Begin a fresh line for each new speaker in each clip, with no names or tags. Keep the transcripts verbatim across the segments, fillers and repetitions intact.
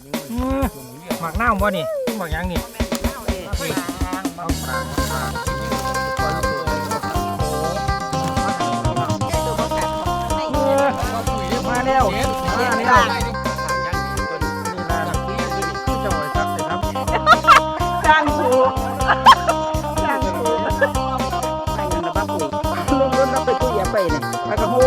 หมักเน่าบ่นี่หมักยังนี่เอาปลาปลามาแล้วมาแล้วนี่ล่ะคือจะไหวซับเลยครับจ้างถูกจ้างถูกไปเงินระบักปุ๋ยลงรถรับไปตู้ยาไปเนี่ยไปกระโห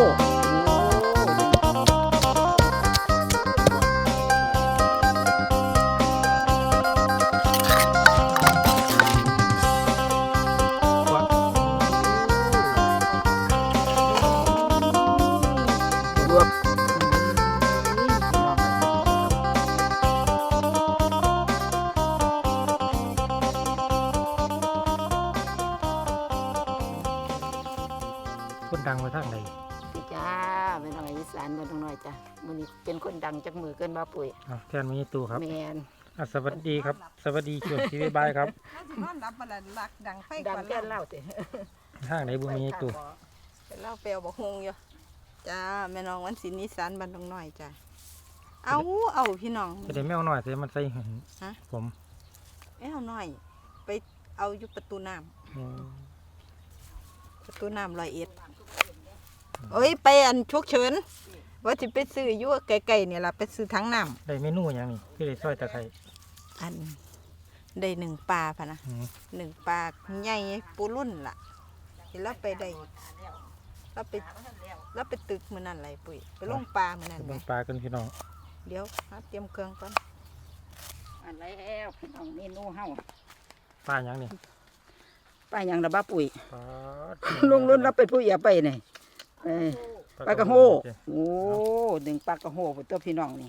คนดังมาทางไหน
จ้าเป็นน้อยอีสานเป็นน้อยจ้ะมันนี้เป็นคนดังจากมือเกินมาปุ๋ย
แทนมีตู้ครับ
แมน
สวัสดีครับสวัสดีช่วงชีวิตบายครับ
นอนรับมาแล้วลักดังไฟ
ดังแก่เล่าสิ
ทางไหนบุมีตู้
เป็นเล่าเปลวบอกฮงอยู่จ้าแม่น้องวันศิลป์อีสานบ้านดงน้อยจ้ะเอาเอาพี่น้อง
จะได้แมวหน่อยเสียมันใส่หินผม
แมวน้อยไปเอาอยู่ประตูน้ำประตูน้ำลอยเอ็ดเอ้ยไปอันชุกเฉินว่าจะไปซื้อยั่วไก่ๆเนี่ยล่ะไปซื้อทั้งน้ำ
ได้เมนูอย่างนี้ที่ได้ซอยตะไคร้
อันได้หนึ่งปลาพะนะหนึ่งปลาใหญ่ปูรุ่นล่ะเห็นแล้วไปได้แล้วไปแล้วไปตึกมือนั่นไรปุ๋ยไปลงปลามือนั่น
ลงปลากันพี่น้อง
เดี๋ยวเตรียมเครื่องก่อน
อันไรแล้วพี่น้องเมนูเฮา
ปลาอย่างนี้
ปลาอย่างระบ้าปุ๋ยลุงรุ่นรับเป็นผู้ใหญ่ไปเนี่ยปลากระโหโอ้ดึงปลากระโหเป็นตัวพี่น้องนี่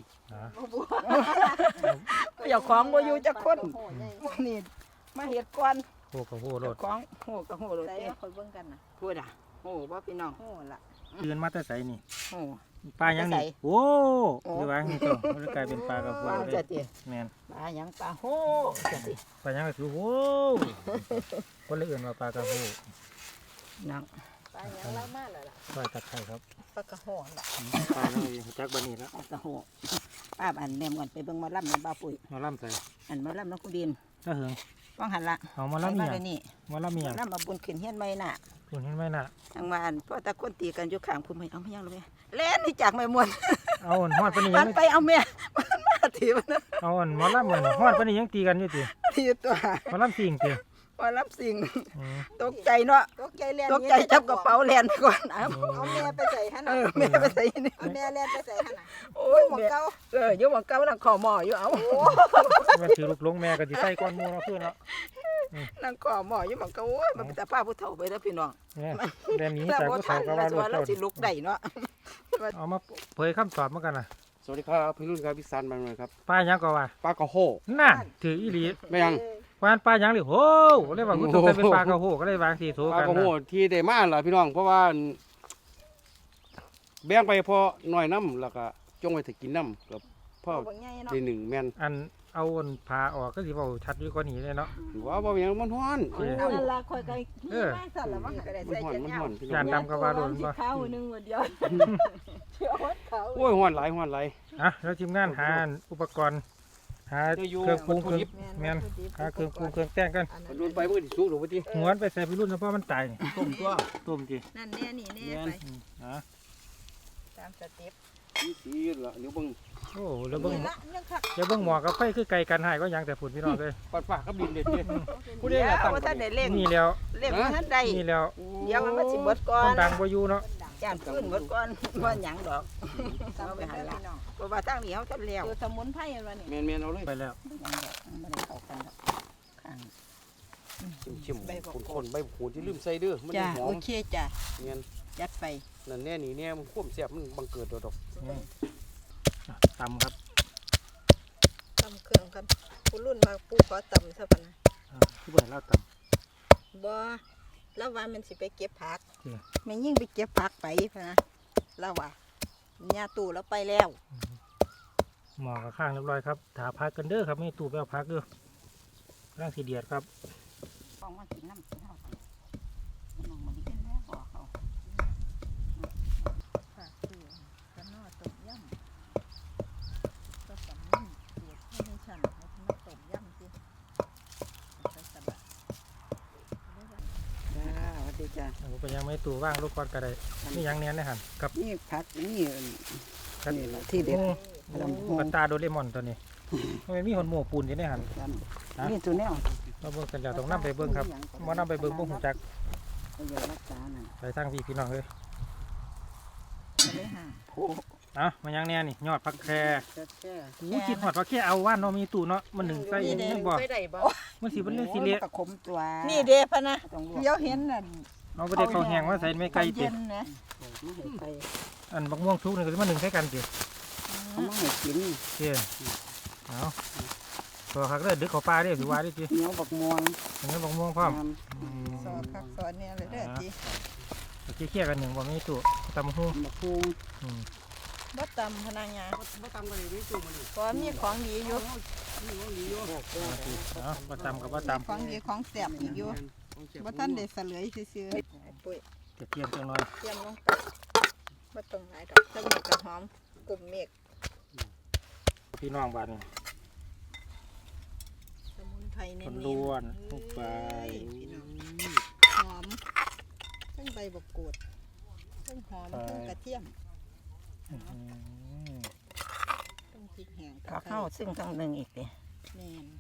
อยากของมาอยู่จักคนนี่มาเห็ดก้อน
โหกระโหรถ
ของโหกระโหรถ
เอ๊ะคอยเบิ่งกันนะ
พูดอ่ะโหว่าพี่น้อง
โหละ
ยืนมาแต่ใส่นี่
โห
ปลาอย่างนี้โอ้ดูว่านี่ตัวมันกลายเป็นปลากระโหเลยแมน
ปลาอย่างปลาโห
ปลาอย่างก็คือโหคนละอื่นว่าปลากระโห
นัง
ปลาอย่างไรมากเลยล่ะ
ซอยตะไคร้ครับ
ปลากระโหล่ะ
ปลาอย่างจักบันนี้แล้ว
กระโหป้าอันแนมก่อนไปเบิ่งมาล่ำในบ้าปุ๋ย
มาล่ำใส่
อันมาล่ำน้องคุณดิน
ถ้าเหิง
ว่างหันละ
เอามาล่ำเนี่ยมาล่ำเนี่ย
ล่ำมาบุญขึ้นเฮียนไม่น่ะ
บุญเฮียนไม่น่ะ
ทางบ้านพ่อตาคนตีกันอยู่ข้างคุณไม่เอาไม่ยังเลยเล่นนี่จากแม่มวน
เอาอ่อนฮอดปนี่
ยังไปเอาแม่มาถีบนะ
เอาอ่อนมาล่ำเหมือนฮอดปนี่ยังตีกันอยู่ตี
ตีตัว
มาล่ำสิ่งตี
มาล่ำสิ่งตกใจเนาะ
ตกใจเล่น
ตกใจจับกระเป๋าเล่นไปก่อน
เอาแม่ไปใส่ฮะน่ะ
แม่ไปใส่นี่
เอาแม่เล่นไปใส่ฮะน่ะ
โอ้ยหมองเก้าเอออยู่หมองเก้านั่งขอหม้ออยู่เอา
มันถือลูกลงแม่ก็จะใส่ก้อนมูเราเพื่อนเนาะ
นั่งขอหม้ออยู่หมองเก้าโอ้ยมันแต่ป้าผู้เฒ่าไปแล้วพี่น้อง
เรื่องนี้แต่ผู้เฒ่าก็ว่าลูกเจ้า
สิลุกได้เนาะ
เอามาเผยคำตอบเมื่อกันนะ
สวัสดีครับพี่รุ่นครับพี่ซันมาเลยครับ
ป้ายังก็ว่า
ปลากระโห
น่ะถืออีหลี
ไม่ยัง
วานปลายังหรือโหเรียกว่าคุณต้องเป็นปลากระโหก็เลยบางสีโถกัน
ปลากระโหที่ได้มาล่ะพี่น้องเพราะว่าแบ่งไปพอหน่อยน้ำแล้วก็จงไว้ถึงกินน้ำกับพ่อทีหนึ่งแม่น
อันเอาอนพาออกก็สิเบาชัดอยู่กว่านี้เลยเนาะ
ว่าบ่ยังมันฮ้อน
นั่นละคอยไก่ขี้แม่สั่นละว่าก็ได้ใส่เจ็ดเงา
จานดำกับว่าโดน
บ่ข้าวหนึ่งหมดเดียวเชื่อว่าเขา
โอ้ยฮ้อนหลายฮ้อนหลาย
อ่ะแล้วทีมงานหาอุปกรณ์หาเครื่องปรุงเครื่องแม่นหาเครื่องปรุงเครื่องแต่งกัน
โดนไปมันก็สิสุกหรือว่าติ
หวนไปใส่ไปรุ่นเฉพาะมันตาย
ต้มตัว
ต้มจิ
นั่นแน่นี่แน่ไป
ฮะ
ตามสเต็ป
นี่สิล่ะเดี๋ยวเบิ่ง
โอ้แล้วเบิ่งเดี๋ยวเบิ่งหมอกับไฟคือไก่กันหายก็ยังแต่ฝุ่นพี่น้องเลย
ปัดปากกับดินเด็ดเด้
ผู้ใดล่ะตั้งท่านได้เล่ง
นี่แล้ว
เล่งท่านใด
นี่แล้ว
เดี๋ยวมันมาสิเบิดก่อน
ดังบ่อยู่เนาะ
จานขึ้นเบิดก่อนบ่หยังดอกเอาไปหันละเพราะว่าทางนี้เฮาทันแล้ว
คือสมุนไพรว่านี่
แม่นๆเอาเลย
ไปแล้ว
บ่ได้เข้ากันดอกข้าง
ชิมๆคนๆใบหูที่ลืมใส่เด้อมันหอม
โอเคจ้ะ
แม่น
ยัดไป
นั่นแน่นี่แน่มันความแซ่บมันบังเกิดดอก
ตำครับ
ตำเครื่องกันผู้รุ่นมาปูขอตำซะปะนะ
ที่บ่ให้เราต
ำบ่แล้วว่ามันสิไปเก็บผักแม่ยิ่งไปเก็บผักไปพะนะแล้วว่าญาตู่แล้วไปแล้ว
หมอกับข้างเรียบร้อยครับถาพักกันเด้อครับไม่ตู่ไปเอาพักเด้อร่างสีเดียดครับ
ฟองมากินน้ำกินข้าวน้องมันกินแล้วบอกเขา
ผักคือขนอต้มยำก็สำนึกเสียด
เป็นยังไม่ตู่ว่างลูกก้อนก็ได้นี่ยังเนี้ยนะฮะกับ
นี่ผักนี่
กับ
นี่ล่ะที่เด็ด ลำโพง
กับตาโดเรมอนตัวนี้มันมีหนหมูปูนอยู่ในหัน
นี่ตัวแนว
เราเบิ่งกันแล้วต้องนํไปเบิ่งครับบ่นํไปเบิ่งบ่ฮู้จัก
เอาอย่ารักษาน่ะ
ไปทางพี่พี่น้องเอ้ย
เลยห่าง
โอ้
เอ้ามันยังแน่นี่ยอดผักแคร
แค่
อู้คิดฮอดผักแครเอาว่านเนาะมีตู่เนาะมันหนึ่งใส่ยังบ่มันสิเป็นเรื่องสิเละ
กระขมตัว
นี่เด้พะนะ
ต้องลวก
เดี๋ยวเห็นน่ะ
เอาไปได้ข้าวแห้งมาใส่ไม่ไกล
ตอน
ติ
เย็นนะ
ไม่ให้ไป
อันบักม่วงสุกนี่ก็สิมาหนึ่งใส่กันติ
เอามาให้กิน
เด้เอาตัวคักเด้อดึกเข้าป่าเด้อสิว่าดิติ
เหนียวบักม่วง
อันนี้บักม่วงพร้อม
น้
อืม
สอนคักสอนเนี่ยเลยเด้อจี
โอเคเคลียร์กันหนึ่งบ่มีตู่ตำหู้
ำบักพุง
อืม
บ่ตำพนักงาน
บ่ตำกันเลยนี่จู่มันนี่
เพราะมีของดีอยู่
นี่ว่าดีอยู่
เอาบ่ตำกับบ่ตำ
ของดีของแซ่บอีกอยู่บ่ทันได้เสลยซื่อๆปุ้ย
จะเตรียมจังหน่อย
เตรียมลงไปบ่ต้องหลายดอกจะมีกระหอมกลุ่มเมฆ
พี่น้องบ้านนี่
สมุนไพรเน้
คน นล้วนลงไป
หอมทั้งใบบักกูดทั้งหอมทั้งกระเทียม
อื้อหือ
ทั้งพริกแห้ง
ผักเข้าซึ่งทั้งหนึ่งอีกเด้
แม่น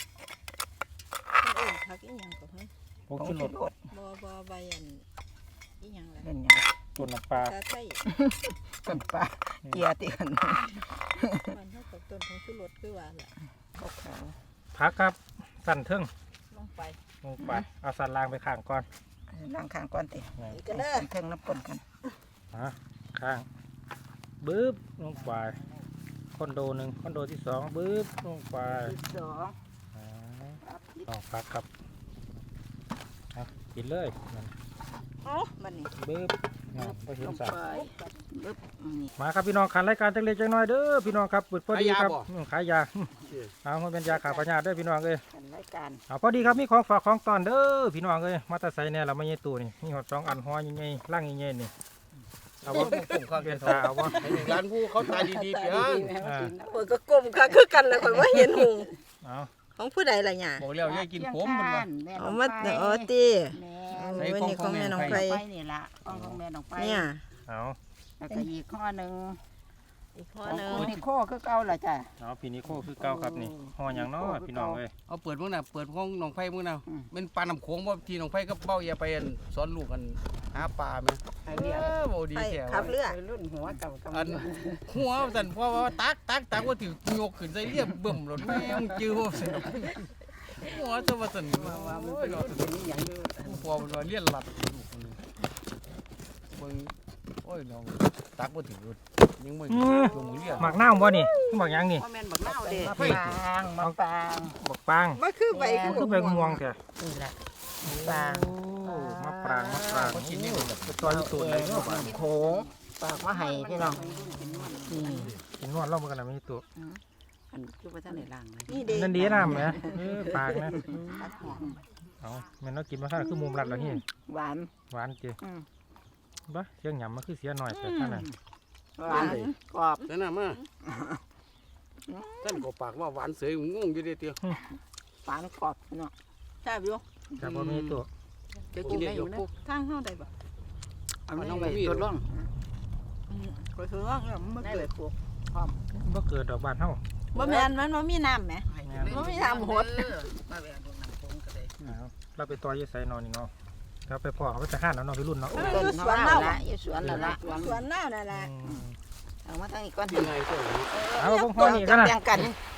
เพิ่นเอิ้นผักอีหยังก็เฮ้ย
ผง
ผง
ชูร
ชู
ส
รส
บ่บ่ใบอันอีหยังล่ะ
เป็นหยัง
ต้นน้ำปลา
ตาไส้
ต้นปลาเกียร์ติกัน
มันเท่ากับต้นของชูรสคือว่าล่ะ
ขาว
พักครับสั่นเทิง
ลงไป
ลงไปเอาสันล่างไปข้างก่อน
ๆล้างข้างก่อนติ
นี่
อีกกันเด้อ
เครื่องน้ำปนกัน
ฮะข้างบึ้บลงไปคอนโดหนึ่งคอนโดที่สองบึ้บลงไป
ที่สอง
อ่าลองพักครับเอากินเลยนั่น
เอ้าบัดนี้
บึ้บนั่นไปเห็
ล
น
ง
สัต
ไป
ว์
ปึ๊บนี่
มาครับพี่น้องขันรายการจังเล็กจังน้อยเด้อพี่น้องครับเปิดพอดีครับอืมขายยาเอามันเป็นยาขาพยาธิเด้อพี่น้องเอ้ย
กันรายการ
เอาพอดีครับมีของฝากของตอนเด้อพี่น้องเอ้ยมาแตาใส่เนี่ยเราไม่ใช่ตู้นี่มีหอดสองอันหัวใหญ่ๆล่างใหญ่ๆนี่เอาว่า
ผมข้าง
เปลี่
เดี
ย
ย
น
ว
ตาเอาว่า
ร้านผู้เขาตายดีๆเพียง
ข่อยก็ก้มค่ะคือกันแล้วข่อยว่าเห็นหุง
เอา
ของผู้ใดล่ะหยา
บอกแล้วอย่ากินผมมันว่า
เอามาเออติ
แม่
เอาวันนี้ของแม่น้องไผ
ไปนี่ละของของแม่น้องไป
เนี่ย
เอา
แล้วก็อีกข้อหนึ่ง
อีกข้อ
ของ
หนึง
คุณนี่ข้อคือเก่าล่ะจ้ะ
เอาพี่นิโคคือเก่าครับนี่ห่ออย่างน้อยพี่น้องเอ้ย
เอาเปิดมื้อน่ะเปิดของหนองไผ่มื้อน่ะ
อืม
เป็นปลาน้ำโขงบ่ที่หนองไผ่ก็เบ้าอย่าไปอันสอนลูกกันหาปลาแม่
ไอ
เอ
เดีย
อบ่ดี
ไป
แท้
ขับเรือ
ไปรุ่นหัวเก่ากับ
อันหัวสั่นเพราะว่าตักตักตักว่าถือยกขึ้นใส่เรียบบึ้มรถแม่งจื้อว่าสั่นหัวจะว่าสั่น
ว่าว่ามัน
โอ้
เป็
ย
น
เนาะ
เป็นนี่อย่างเดียว
ผู้พอมันว่าเลี้ยนหลัดลูกคนนึงเบิ่งโอ้ยน้องตักบ่ถือยังบ่ตัวมือเลี้ยน
หมักน้ำบ่นี่หมักหยังนี่
พ่อแม่นบักเน่าเด้
มะ
มะ
ปราง
ปางมะปาง
บักปาง
บ่คือใบ
มัน
คื
คือ อใบม่วงแท้
นี่แหละปาง
โอ้มะปรางมะปราง
เขากินนี่แบบ
เป็นตัวที่ตูดเลยเนาะ
โขงปากมาให้พี่น้องนี่
กินนวดเล่ามันกันนะไม่ตัว
อันคือว่าท่านในล่างเลย
นี่เด้
นั่นดีน้ำไหมเออปากนะ
ตัดหอม
เอาแม่นเรากินมาท่านคือมุมรัดแล้วนี่
หวาน
หวานเจี
อืม
บ้าเสียงหยำมันคือเสียหน่อยแต่ท่านน่ะ
หวานกรอบ
นั่นน่ะมาท่านก็ปากว่าหวานเสยงงอยู่เด้เตียว
หวานกรอบพี่น้อง
แซ่บอยู่
แต่พอมีตัว
จะกินได้อยู่ปุ๊บ
ทางเฮาได้บ่
เอาน้องไปตัวร่อง
อืมข่อยคือว่าเออมันบ่
ได้
เกิ
เล
ด
ยปลูก
บ่เกิดดอกบานเท่า
บ่แม่นมันบ่มีน้ำแหม บ่มีน้ำหด
มาแบบน้ำโขงก็ได้
เราไปต่อยใส่นอนนี่เนาะเราไปพ่อเขาไปจะห้านแล้วเนาะพี่รุ่นเนาะ
ต้นสวนเราละอยู่สวนเราละ
สวนน้านั่นแหละ
เอามาทางนี้ก่อน
ยังไงก็อย่างนี้
เอาเบิ้งห้อนี่กันนะ
แบ่งกัน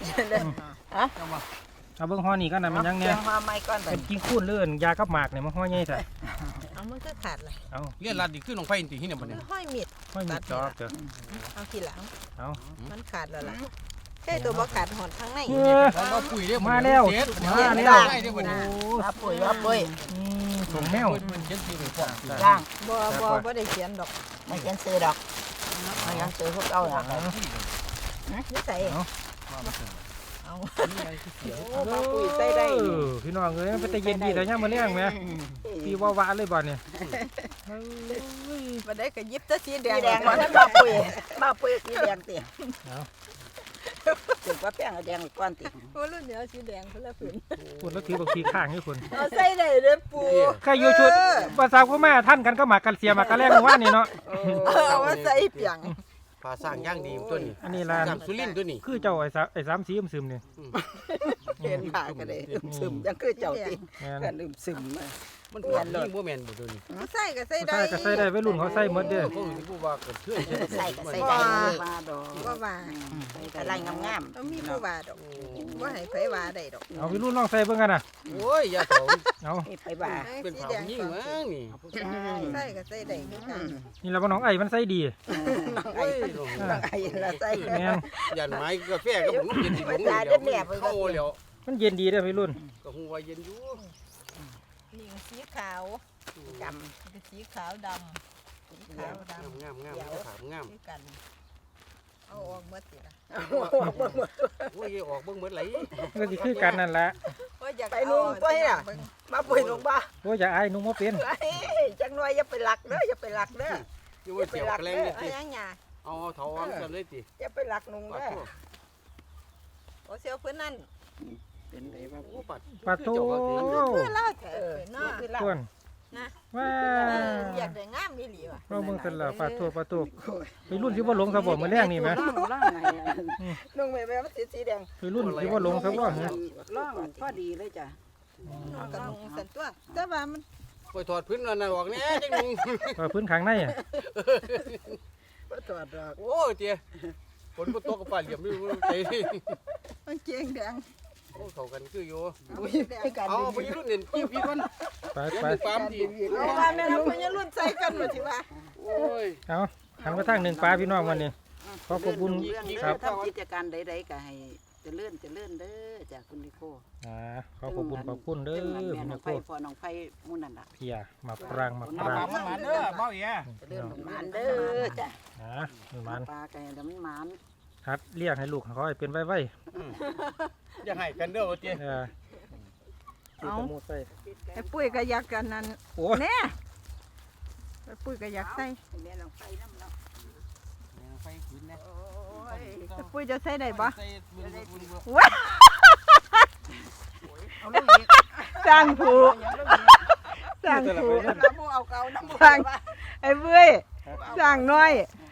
เอาเบิ้งห้อนี่กันนะมันยังเนี่ย
แบ่งห่อไม้ก่อน
เป็นกิ้งคูนเลื่อนยากับหมากเนี่ยมันห้อยใหญ่แต่
เอามันก็ขาดเลย
เอา
เลี้ยนรัดดีขึ้นหนองไผ่ตีที่เนี่ยบัดนี้
ห้อยมีด
ห้อยมีจอบเถอะ
เอาทีหลัง
เอา
มันขาดแล้วล่ะแค่ตัวบ่ขาดหอดข้างใน
เออ
เพราะว่าปุ๋ยเด้
มาแล้ว
เจ็ด
มา
มา
แล้
แล้ว วได้เด้อบัดนี้
รับปุ๋ยรับปุ๋ย
อืมถุงแมว
ปุ๋ยมันเจ็ดสิบไปพร้อม
ย่าง
บ่บ่บ่ได้เขียนดอก
ไม่เขียนซื้อดอกไม่ยังซื้อพวกเอาล่ะ
นี่ใส่เอา
โอ้มาปุ๋ยใส่ได้
เออพี่น้องเอ้ยมันเป็นแต่เย็นดีแต่ย่ามมาเลี้ยงไหมพี่ว่าหวานเลยบ่เนี่ยเอ้ย
บ่ได้ก็หยิบแต่สีแด
สี
ง
แดงก่อนมาปุ๋ยมาปุ๋ยสีแดงเตี๋ย
เอา
ถึงว่าแป้งแดงก้อนติ
โอ้รุ่นเดียวสีแดงคนละผืน
คุณแล้วถือบางทีข้างให้คุณ
เอาใส่ได้เด้อปู
ใครอยู่ชุดภาษาพ่อแม่ท่านกันก็หมากกันเสียหมากกันแรกว่านี่เนาะ
เอามาใส่เปียง
ปลาสร้างย่างดีตัวนี้
อันนี้ร้าน
จำสุรินทร์ตัวนี้
คือเจ้าไอ้สาไอ้สามสีซึมๆนี่
เห็นผ่ากันเลยอึมซึมยังคือเจ้าติ
แม่น
กันอึมซึมมา
มันเป็นนี่บ่แม่นบ่ตัวนี้
เอาใส่ก็ใส่
ใส่
ได้
ก็ใส่ได้ไว้รุ่นเขาใส่หมดเด้อ
เขาสิผู้ว่าก็เชื่อ
ใส่ก็ใส่ได้มาดอก
บ่ว่า
อะไรงาม
ต้องมีผู้ว่าดอกบ่ให้ไผว่าได้ดอก
เอาไว้รุ่นลองใส่เบิ่งกันน่ะ
โอ้ยอย่าเถา
เอา
ๆนี่ไปบ่า
เป็น
สี
เผา
แดง
ยิ่งมั้งนี่
ใส่ก็ใส่ได้คือกัน
นี่แหละว่าน้องไอ้มันใส่ดี
น้องไอ้น้องไอ้ละใส่
แม่น
ยันไม้กาแฟกับผมเย็นสิผม
ภาษาเด็ดแหลบ
เข้าแล้ว
มันเย็นดีเด้อไว้รุ่น
ก็ฮู้ว่าเย็นอยู่
นี่สีขาว
ก
เป็นสีขาวดำสีขาวดำ
งามงามงามงาม
คือกันเอาออกหมดสิล่ะ
ำ
โอ้ยออกเบิ่งหมดไหล
ก็สิคือกันนั่นแหละ
ว่าอยาก
ไปนุ่งไปอ่ะมาปุยลงบ้า
โอ้ยอย่าอายนุ่งบ่เป็น
จังหน่อยอย่าไปหลักเด้ออย่าไปหลักเด้อ
อยู่ว่าเจียวแกล้งนี่
เอา
ติ
ยังหยา
เอาเถาอันกันเลยติ
อย่าไปหลักนุ่ง
ปา
เด้อ
โท
โอ้เสียวเพิ่นนั่น
เป็นไงบ้าง
โอ้ปัด
ปลาโต
เพื่อเล่าแถวเนาะ
คือหลัก
ส่วน
นะ
ว้า
อยากได้งามนี่หลีว่ะ
เราเบิ่งซั่นล่ะปลาโตปลาโตไปรุ่นสิบ่หลงซะบ่มื้อแรงนี่แหม
ล่องล่องไงนุ่งแม่แม่มันสีสีแดง
ไปรุ่นสิบ่หลงซะบ่ฮะ
ล่องพอดีเลยจ้ะ
นอนกับลุงสันตัวแต่ว่ามัน
ไปถอดพื้นนั่นน่ะออกแน่จังนึง
ปลาพื้นข้างในอะ
บ่ตอดดอก
โอ้เตี้ยฝนบ่ตกกับปลาเหลี่ยมอยู่ใจ
มันเกียงแดง
โอ้เข้ากันคืออยู่
อุ้ยแดง
เอาไปรุ่นเด่นพี่พี่ก่อน
ไป
เดี๋ยว
ไป
มีปามดี
เอาว่าแม่เราเพิ่นจะรุ่นใส่กันหมดสิว่า
โอ้ย
เอาหันมาทางหนึ่งปลาพี่น้องวันนี้ ขอขอบคุณ
เรื่อง
ครับ
ทำกิจการใดๆก็ให้เจริญเจริญเด้อจากคุณนิโค
อ่าขอขอบคุณขอบคุณเด้อ
แม่
พี่
น้
น้
อ
อง ง
ไฟ
โค
พ่อน้องไฟมุ่นนั่นล่ะ
เพียมาปรางมาปราง
มาเด้อเบาอี
เจริญหมานเด้อจ้ะ
อ่ามีมัน
ปลาไก่แล้วมันหมาน
ฮัดเรียกให้ลูกเขาให้เป็นไว้ไว้
อย่าให้กันเด้อเตี้ย
เออ
เอาไอ้ปุ้ยก็อยากกันนั่น
โอ้ย
แน่ไอ้ปุ้ยก็อยากใส่
แม่น้องไฟน้ำเนาะ
ไฟขืนนะ
โอ้ย
ไอ้ปุ้ยจะใส่ได้บ่
ใส่บึ้งบึ้งบึ้ง
ว้า
เอาลูกอีก
สร้างผู
อย่างลูกอีก
สร้างผู
น้ำมูเอาเก่าน้ำมู
สร้างไอ้ปุ้ยสร้างน้อย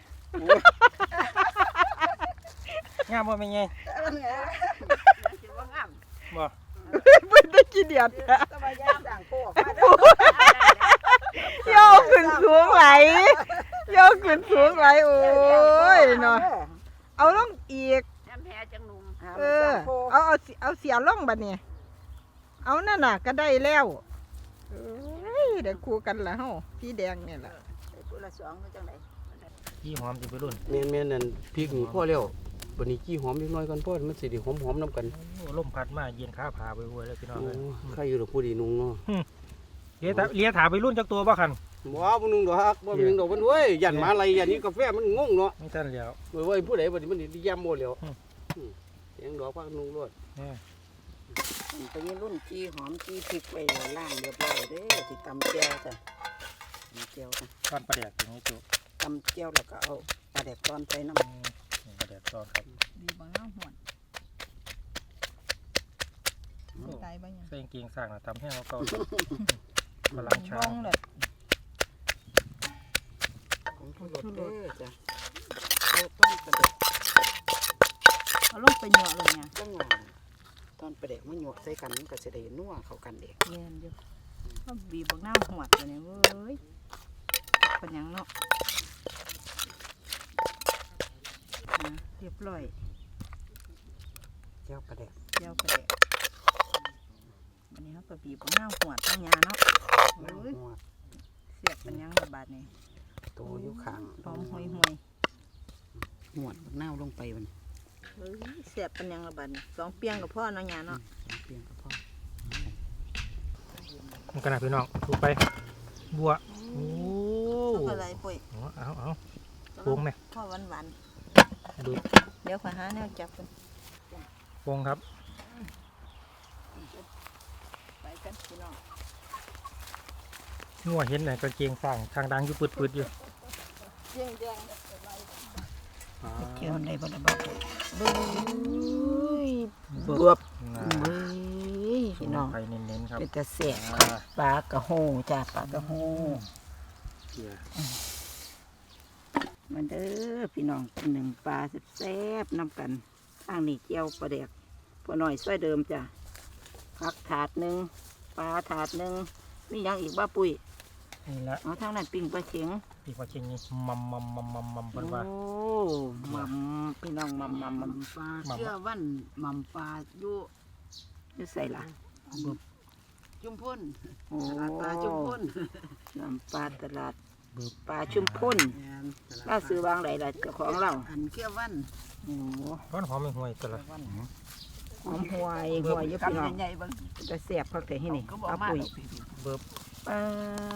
งามบ่แม่นไง
มันไงคิดว่างาม
บ่
ปุ้ยได้กี่เดียด
สบายยามสั่งโค้มาเด้อ
โยกขึ้นสูงไหลโยกขึ้นสูงไหลโอ้ยเนาะเอาลงอีก
แอมแพ้จังนุ่ม
เออ เอาเอาสิเอาเสียลงบัดนี้เอานั่นน่ะก็ได้แล้วเอ้ยได้คู่กันละเฮาพี่แดงเนี่ยล่ะ
ตัวละสองจังได๋
ยี่หอมสิไปรุ่น
แม่นแม่นนั่นพริกนี่พอแล้วบัดนี้กี้หอมนิดหน่อยก่อนพอมันสิได้หอมๆนํกัน
โอ้ลมพัดมาเย็นขาผาไปห้วยเลยพี่น้อง
โอ้
เอ้ย
ใครอยู่ดอกผู้ดีนุ่งเนาะ
เลี้ยถาเลี้ยถาไปรุ่นจักตัวบ่คัน
บ่บ่นุ่งดอกบ่มีนุ่งดอกเพิ่นเว้ยยันมาอะไรยันนี้กาแฟมันงงเนาะ
ไม่ทันแล้ว
เว้ยเว้ยผู้ใดบัดนี้มันสิย่ำบ่แล้ว
อืม
อืมเสียงดอกพักนุ่งรวด
แน่
ไปยืนรุ่นจีหอมจีพริกไว้ล่างเรียบร้อยเด้อสิตำแก้วจ้ะตำแก้วจ้ะ
ก้อนปลาแดกอย่างนี้จุ
ตำแก้วแล้วก็เอาปลาแดกตอนใส่น้
อืมนี่ปลาแดกตอนครับ
ดีบ่เฮาหวนตายบ่ยัง
ใส่กางเกงสร้างน่ะทำให้เขาเก่าพลังช้า
บ้องเลย
ำของทุรสเด้อจ้ะเอาต้นปลาแดก
เอาลงไปเหยาะเลยเนี่ย
จังหวะตอนปลาแดกมันหยวกใส่กันมันก็สิได้นัวเข้ากันเด้
เรียนอยู่ก็บีบบักน้ำหวดเลยเนี่ยเว้ยเป็นหยังเนาะอ่ะเรียบร้อย
แก้วปลาแดก
เดี๋ยวไปเด็กวันนี้เขาก็บีบบักน้ำหวดตั้งยาเนาะ
น้ำ
เอ้ย
หัว
เสียบเป็นหยังระบาดนี่
โตอยู่ข้าง
หอมห่วยห่วย
หวดบักนาวลงไปมัน
ๆเอ้ยเสียบเป็นหยังระบาดนี่สองเปียงกับพ่อเนาะยาเนาะ
เปลี่ยนกับพ่อ
มันกันนะพี่น้องดูไป บัวโอ้
เอาอะไรปุ้ย
เอาเอาเอาโป่งไหม
พ่อหวานหวาน
ดู
ๆเดี๋ยวขอหาแนวจับกัน
โป่งครับ
ไปกันพี่น้อง
งัวเห็นไหนกางเกงสร้างทางดังอยู่ปืดๆอยู่
เจียงแดง
เอา
เจียวในบ่ได้บ่ปุ๋ยเบ้ยเบือบเบ้ยพี่น้อง
ไปเน้นๆครับ
เป็นตะแสบครับปลากระโฮจ้าปลากระโฮมาเด้อพี่น้องกินหนึ่งปลาแซ่บๆน้ำกันข้างนี้เจียวปลาแดกพอหน่อยช่วยเดิมจ้ะผักถาดหนึ่งปลาถาดหนึ่งมีหยังอีกบ้าปุ้ย
นี่ละ
เอาทางนั้นปิ้งปลาเข็ง
ปีกว่าเชียงนี่มัมมัมมัมมัมมัมเพิ่นว่า
โอ้มัมพี่น้องมัมมัมมัมปลาเชื่อวันมัมปลาอยู่อยู่ใส่ละ
จุ่มพ่น
โอ้
ตลาดปลาจุ่มพ่น
มัมปลาตลาดปลาชุมพ่นล่าซื้อวางไหนล่ะเจ้าของเรา
อันเกี้ยววัน
โอ้
ร้อนหอมไม่ห่วยตัวละ
หอมหวยหวยเยอะพี่น้อง
ใหญ่ๆเบิ่ง
จะแสบเขาแต่ที่นี่
ก็บอก
เอา
มา
ปุ๋ย
เบิบ
ปลา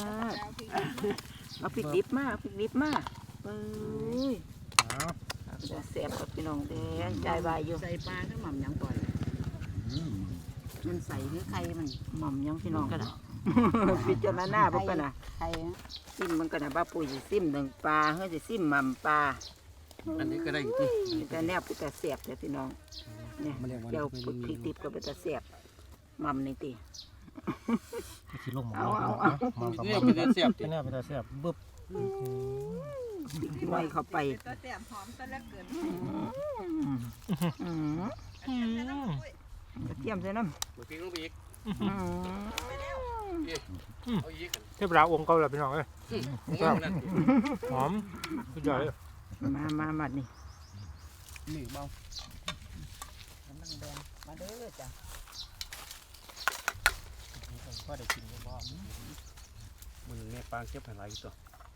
เอาพริกดิบมาเอาพริกดิบมาเอ้ย
เอา
จะแสบกับพี่น้องแดงใจวายอยู่
ใส่ปลาก็หม่ำหยังก่อนมันใส่หรือไข่มัน
หม่อมยังพี่น้องกันนะ พิจารณาพวกกันนะ
ไข่
ซิมมันกันนะบ้าปุ๋ยสิซิมหนึ่งปลาเฮ้ยสิซิมหม่ำปลา
อันนี้ก็ได้อยู่ที่
แต่แนวเป็นตาแสบแต่พี่น้องเนี่ยเดี๋ยวพริกดิบก็เป็นตาแสบหม่ำนี่ตี
ไปสิลงหมอ
เอาเอา
เอามัมกับ
นี่
มัม
เป็นเสียบ
ที่นี่เป็นตาแซ่บเบิบ
ไว้เข้าไป
ตะแต้มหอมซะเหลือเกิน
อืม
อืม
กระเทียมใส่น้ำ
บ่ทิ้งลงไปอีก
อืม
เอาอีก
เทพราองค์เก่าแล้วพี่น้องเอ้ย
ผมว่านั่น
หอมสุดยอดเลย
มามามานี่
นี่เบา
มาเด้อจ้ะ
ก็ได้กินบ่
มือแม่ปางเก็บให้หลายตัว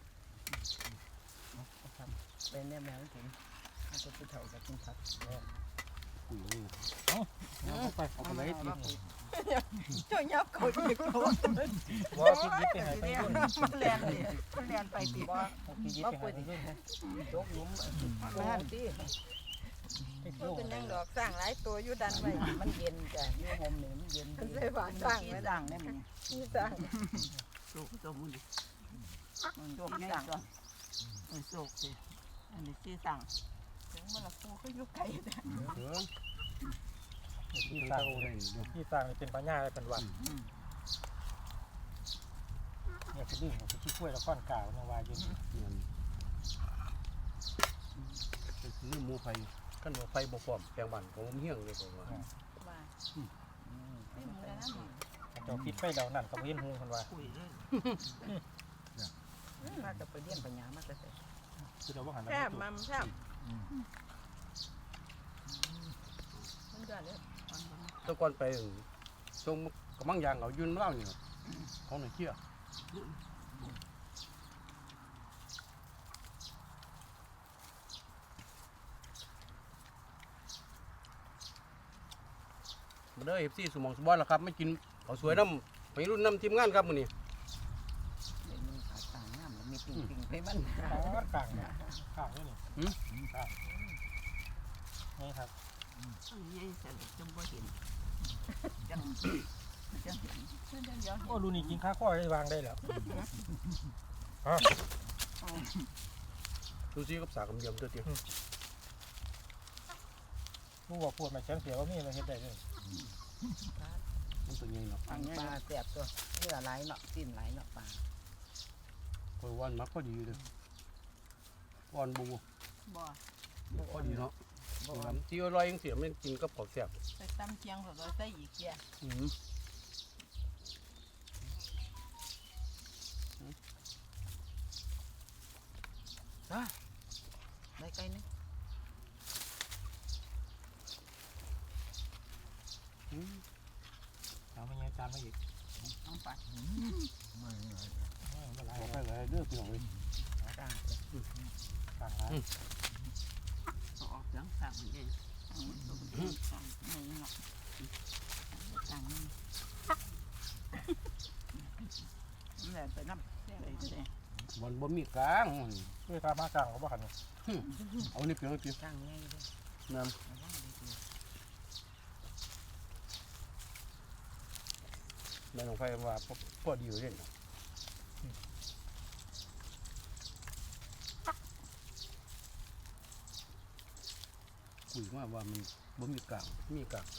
เป็นแม่แมวกินเอาไปเฒ่าจะกินผัก
ปุ๋ย
เอาไปเอาไปเลยที
เจ้ายับเขาอีกแล้ว
ว่าคิดยิบไปไหนไปรุ่น
มันแลนเลยมันแลนไปตีว่า
คิดยิบไปไหนไปรุ่นนะ
โจกหลุมแม่ที่
เป็นยังดอกสร้างหลายตัวอยู่ดันไว้
มันเย็นจ้ะอยู่ห่มนี่มันเย็น
มันใส่บาตรสร้างไว้
สร้างได้มั้ย
ที่สร้าง
โจกตัวมัน
โชคสั่งเออโชคสิอันนี้ชื่อสั่ง
ถึงมันละปูเขาอยู่ไกลนะ
ที่สร้างที่สร้างเป็นปัญญาเป็นวันเนี่ยคือดิ้งคือขี้กล้วยแล้วก้อนกาวเนี่ยว่าอยู่
นี่หมูไฟกันว่าไฟบ่พร้อมแปลงบ้านของผมเฮี้ยงเลยผมว่า
ว่าไม่เหมือนกันนะ
เจ้าพิษไฟเดานั่นเขาเห็นหูคนว่า
คุยเลยมาจะไปเลี้ยงปัญญามาจะเสร็จ
คือเราว่าหัน
แซ่บมัมแซ่บมันยอดเลย
ตะก่อนไปส่งกำลังยางเอายืนเล่านี่เขาหน่อยเชี่ยมาเด้อเอฟซีสมองสบอยแล้วครับไม่กินเขาสวยน้ำไปรุ่นน้ำทีมงานครับมื้อนี้
มันขาดต่างน้ำแล้วมีปิ่งปิ่งไปมัน
ก้อนกลางเนี่ยข้างนี่นี่ข้างนี่ครับ
ต้องใหญ่เสร็จจมบ่เห็นจังจัง
โอ้ลูนี่กินข้าวข้อได้วางได้แล้ว
ดูซิกับสากำเยี่ยมตัวเดียว
ผู้ว่าปวดมาแข็งเสียว่ามีมาเฮ็ดได้เลย
มันตัวใหญ่เนาะ
ปลาแสบตัวเนื้อไหลเนาะสิ้นไหลเนาะปลา
คอยวันมักพอดีเลยอ่อนบู
บ่
พอดีเนาะที่อร่อยยังเสียไม่กินกับของแซ่บ
ใส่ตำเคียงสดใส่อีกแก่
อืม
ได้ไกลนึง
เอาไม่ยังจานมาอีก
น้องปลา
บอกไปเลยเด้อพี่น้องเลย
ต่าง
กลางร้าน
ออกเสียงต่างมันเอง
สั่งนี่เนาะสั่งนี่นี่แหละไปน้ำไปเลย
วันบ่มีกลาง
ด้วยตามากลางเขาบอกกัน
เอานี่เพียงเพียง
ต่างง่ายเลย
น้ำแม่ของไฟว่าพอดีอยู่เด่น
ปุ๋ยมาว่ามันบ่มีกากมีกากเลย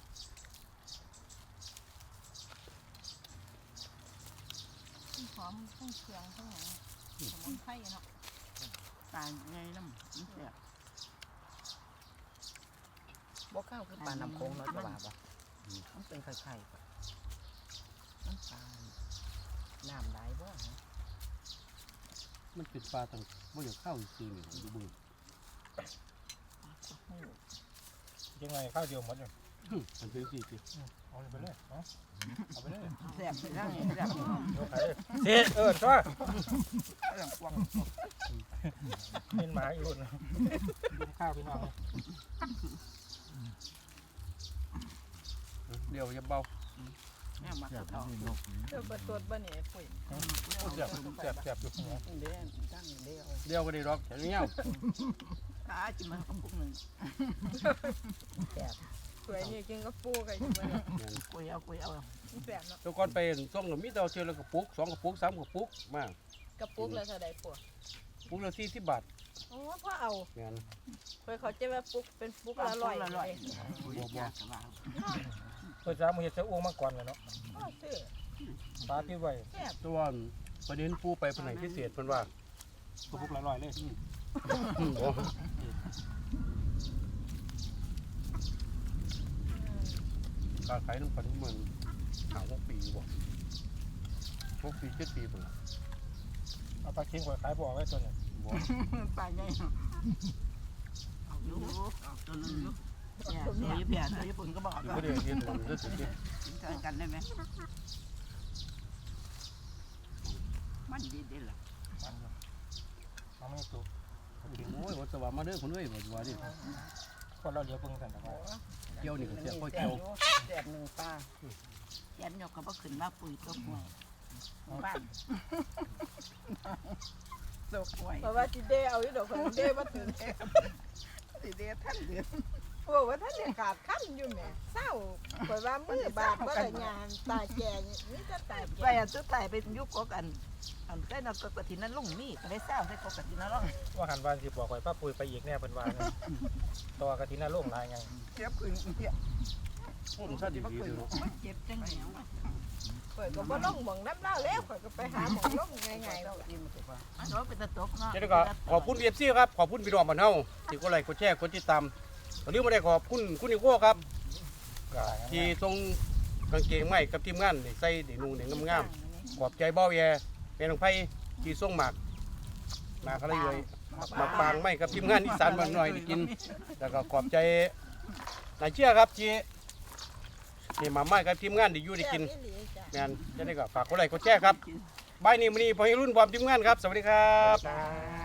หอมทั้งเครื่องทั้งหยังสมุนไพรเนาะ
ตายไงน้ำมันแสบ
บ่ข้าวคือปลาน้ำโขงเนาะจะว่าบ่มันเป็นไข่ๆปะน้ำปลาน้ำไหลบ่
มันเป็นปลาต่างบ่อยากเข้าซื้อนี่ดูบึง
ยังไงข้าวเดียวหมดเลย
มันเป็นสิสิ
เอาไปเลยเอาเอาไปเลย
แสบไปทั้งนี้แสบ
เดี๋ยวขายเลยเสียเออช่วย
เรื่องกวาง
เป็นหมาอีกคนกินข้าวพี่น้อง
เดี๋ยวจะเบา
แม่มาเขา
เดี๋ยวเปิดตัวบ่นี่ปุ๋ย
เสียบเสียบเสียบอยู่หัว
เดี๋ยวตั้งเดียว
เดี๋ยวก็ได้รอกแค่นี้เอา
ขาจิมันกระปุกหนึ่ง
สวยนี่กินกับปูกันอยู่บ่เนี่ย
กุยเอากุยเอา
มันแซ่บเนาะ
แล้วก่อนไปส่งก็มีแต่เทื่อละกระปุกสองกระปุกสามกระปุกมาก
กระปุกละเท่าใดปู
ปุกละสี่สิบบาท
อ๋อพอเอา
แม่น
เพิ่นเขาจะว่าปุกเป็นปุกละร้อย
ละร้อย
บ่บ่
เปิดจ้ามือเห็ดเสืออ้วงมาก่อนเลยเนาะ
อ๋อซื้อ
ปลาที่ไว้
แซ่บ
แตัวาประเด็นปูไปเพิ่นให้พิเศษเพิ่นว่า
ตัวพวกละร้อยเลย
อืมโอ้การขายน้ำปันเมืองหาหกปีบ่หกปีเจ็ดปีพุ่นล่ะ
เอาปลาเค็งไว้ขายบ่อไว้ตัวนี้
บ่
ไปไงเอาอยู่เอาตัวนึงอยู่เนี่ยตัวญี่ปุ่นตัวญี่ปุ่นก็บอก
อยู่
ว่า
บ่ได้เฮ็ดมันเด้อสิ
เจอกันได้ไหมมันดีดีล่ะ
มันมันไม่ตัว
โอ้ยว่าสว่ามาเด้อคนเอ้ยว่าว่าดิ
คนเราเลี้ยวเพิ่งกันแต่ว่า
เกี่ยวนี่ก็เสียค่อย
แส
เกี่ยว
บแสบหนึ่งปลา
แกนยกก็บ่ขึ้นมาปุ๋ยตัวห่วยบ้านตัวห่วย
เพราะว่าสิเดเอาอยู่ดอกเพิ่นเดบ่ถึง
สิเดียท่านเดือน
บอกว่าท่านเนี่ยขาดขั้นอยู่แหม่เศร้าข่อยว่ามือบาดบ่ได้งานตาแก่นี่จะตา
ไป
แก่
อันสุดท้ายเป็นยุคกกันอันใส่นกกะทินั้นลุงมีก็ได้เศร้าใส่กกะทินั้นลุง
ว่าหันวันสิบอกไว้ป้าปุยไปอีกแน่เป็นวานตัวกะทิน่าโล่งลายไง
เจ็บขึ้นเนี่ย
พุ่นซะดีๆเด้อเนาะ
เจ็บจังเลย
ข่อยก็บ่ลงหม่องน้ำเล่าแล้วข่อยก็ไปหาหม่องลงง่ายๆแล้ว
อันนี้เป็นตะตกเนาะ
เจ้าก็ขอบคุณ เอฟ ซี ครับขอบคุณพี่น้องบ้านเฮาที่กดไลค์กดแชร์กดติดตามตอนนี้บ่ได้ขอบคุณคุณนิโก้ครับที่ส่งกางเกงใหม่กับทีมงานได้ใส่ได้นุ่งได้งามๆขอบใจเบ้าแย่แม่น้องไผที่ส่งหมากหมากอะไรเลยหมากปางใหม่กับทีมงานอีสานบ้านน้อยได้กินแล้วก็ขอบใจนายเชื่อครับที่นี่มาใหม่กับทีมงานได้อยู่ได้กิน งานจะได้ก็ฝากกดไลค์กดแชร์ครับบายนี้มื้อนี้พอให้รุ่นพร้อมทีมงานครับ สวัสดีครับ